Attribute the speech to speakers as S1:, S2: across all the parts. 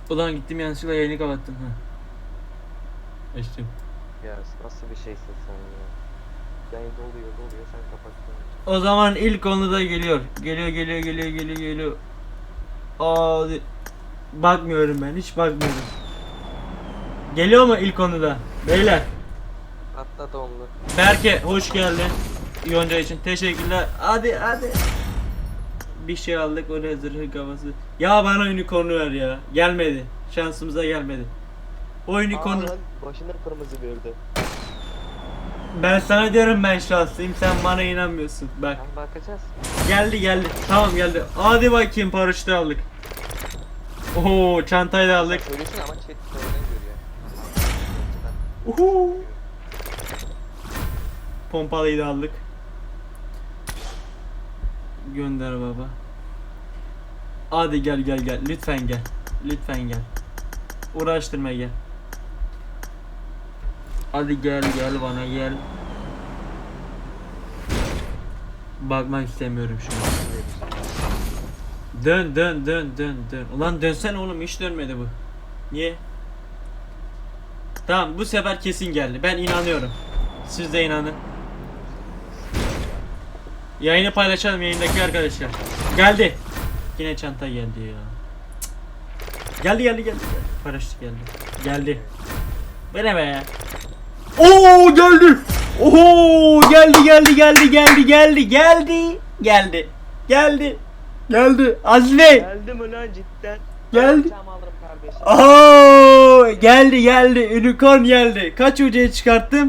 S1: Ulan gittim yanlışlıkla yayını kapattım. Ha. Açtım.
S2: Ya nasıl bir şeysin sen ya? Yayın doluyor sen kapattın.
S1: O zaman ilk konu da geliyor. Geliyor. Aa, bakmıyorum ben, hiç bakmıyorum. Geliyor mu ilk konuda? Beyler.
S2: Atla donlu.
S1: Berke hoş geldin. Yonca için teşekkürler. Hadi. Bir şey aldık, o ne zırhı kafası. Ya bana unicorn'u ver ya. Gelmedi. Şansımıza gelmedi. O unicorn'u.
S2: Lan başına kırmızı verdi.
S1: Ben sana diyorum ben şanslıyım, sen bana inanmıyorsun. Bak.
S2: Tam bakacağız.
S1: Geldi. Tamam geldi. Hadi bakayım, paraşütü aldık. Oo, çantayı da aldık.
S2: Söylüyorsun ama chat sonradan görüyor.
S1: Uhu. Pompalıyı da aldık. Gönder baba. Hadi gel. Lütfen gel. Uğraştırma gel. Hadi gel bana gel. Bakmak istemiyorum şu an. Dön. Ulan dönsen oğlum, hiç dönmedi bu. Niye? Tamam, bu sefer kesin geldi. Ben inanıyorum. Siz de inanın. Yayını paylaşalım yayındaki arkadaşlar. Geldi. Yine çanta geldi ya. Geldi. Paraşüt geldi. Bu ne be? Oo, geldi. Oho, geldi. Azmi.
S2: Geldim ulan cidden.
S1: Geldi.
S2: Çam alırım kardeşim.
S1: Oo, geldi. Unicorn geldi. Kaç UC'ye çıkarttım?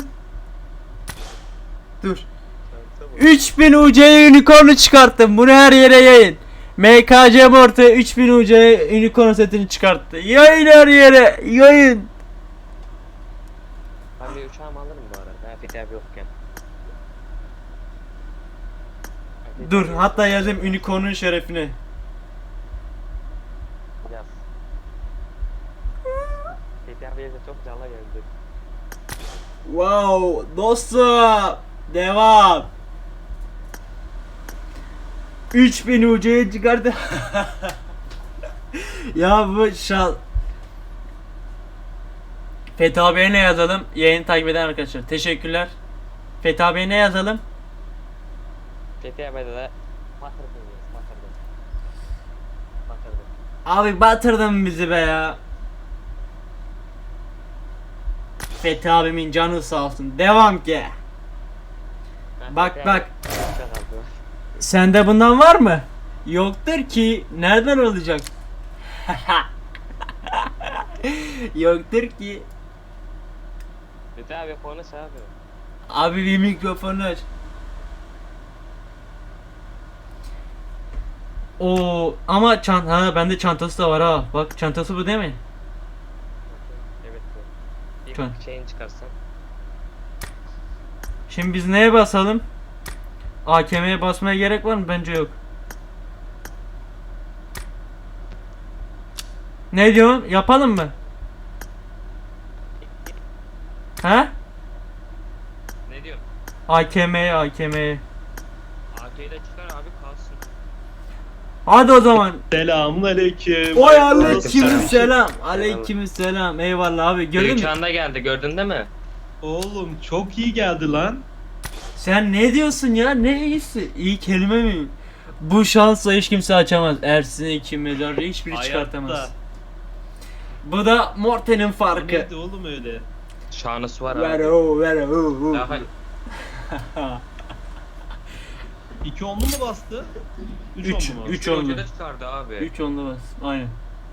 S1: Dur. 3000 UC'ye unicorn'u çıkarttım. Bunu her yere yayın. MKC Morte 3000 UC'ye unicorn setini çıkarttı. Yayın her yere. Yayın.
S2: Ben bir uçağımı alırım bu arada. Fethi abi yokken.
S1: Dur, hatta yazayım unicorn'un şerefine.
S2: Yaz. Fethi abiye de çok canlı geldi.
S1: Wow, dostum. Devam. 3000 UC'ye çıkardı. Ya bu şal. Fethi abiye ne yazalım? Yayını takip eden arkadaşlar. Teşekkürler. Fethi abiye ne yazalım?
S2: Fethi abiye de batırdın.
S1: Abi batırdın bizi be ya. Fethi abimin canı sağ olsun. Devam ki. Bak. Sende bundan var mı? Yoktur ki. Nereden olacak? Yoktur ki.
S2: Fethi abi konuş abi.
S1: Abi bir mikrofonu aç. Oo, ama bende çantası da var ha. Bak, çantası bu değil mi?
S2: Evet bu. Bir
S1: Tamam.
S2: şeyini çıkarsan.
S1: Şimdi biz neye basalım? AKM'ye basmaya gerek var mı? Bence yok. Ne diyorsun? Yapalım mı? He?
S2: Ne diyor?
S1: AKM'ye.
S2: AK'yi de çıkar abi kalsın.
S1: Hadi o zaman.
S3: Selamun aleyküm.
S1: Oy
S2: Aleykümselam.
S1: aleykümselam. Eyvallah abi. Gördün mü?
S2: Uçağında geldi gördün değil mi?
S3: Oğlum çok iyi geldi lan.
S1: Sen ne diyorsun ya? Ne iyisi? İyi kelime mi? Bu şansla hiç kimse açamaz. Ersin iki mezarda hiçbiri
S3: Hayatta.
S1: çıkartamaz. Bu da Morten'in
S3: O
S1: farkı.
S3: neydi oğlum öyle?
S2: Şanısı var
S1: Ver
S2: abi.
S1: o.
S2: Daha
S3: 2 onlu mu bastı? 3
S1: Üç.
S3: onlu mu?
S1: 3
S2: 3
S1: onlu.
S2: ucuda çıkardı abi.
S1: 3 onlu bas. Aynen.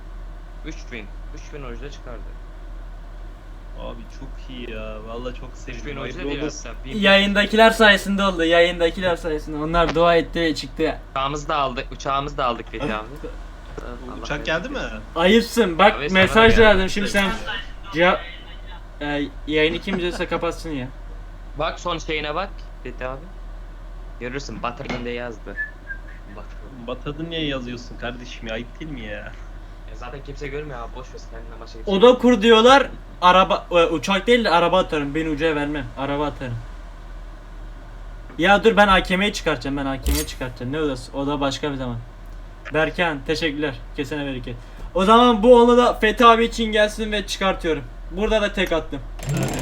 S2: 3000 ucuda çıkardı.
S3: Abi çok iyi ya. Vallahi çok
S2: 3000
S3: sevindim.
S2: ucuda
S3: Hayırlı
S2: değil
S3: olsun.
S2: hatta.
S1: Yayındakiler sayesinde oldu. Yayındakiler sayesinde. Onlar dua etti ve çıktı.
S2: Uçağımızı da aldık Fethi abi.
S3: Uçak geldi mi?
S1: Ayıpsın. Bak,
S2: Abi sana
S1: mesaj
S2: da
S1: yazdım.
S2: geldi.
S1: Şimdi sen cevap yayını kim izliyorsa kapatsın ya.
S2: Bak son şeyine bak Fethi abi. Görürsün batırdın diye yazdı. Batırdın.
S3: Batırdın niye yazıyorsun kardeşim ya? Ayıp değil mi ya?
S2: Ya zaten kimse görmüyor abi boş ver kendine başka
S1: Oda kur diyorlar. Uçak değil de araba atarım. Beni ucaya vermem. Araba atarım. Ya dur, ben AKM'yi çıkartacağım. Ne odası? O da başka bir zaman. Berkan teşekkürler. Kesene bereket. O zaman bu onu da Fethi abi için gelsin ve çıkartıyorum. Burada da tek attım.
S3: Hadi.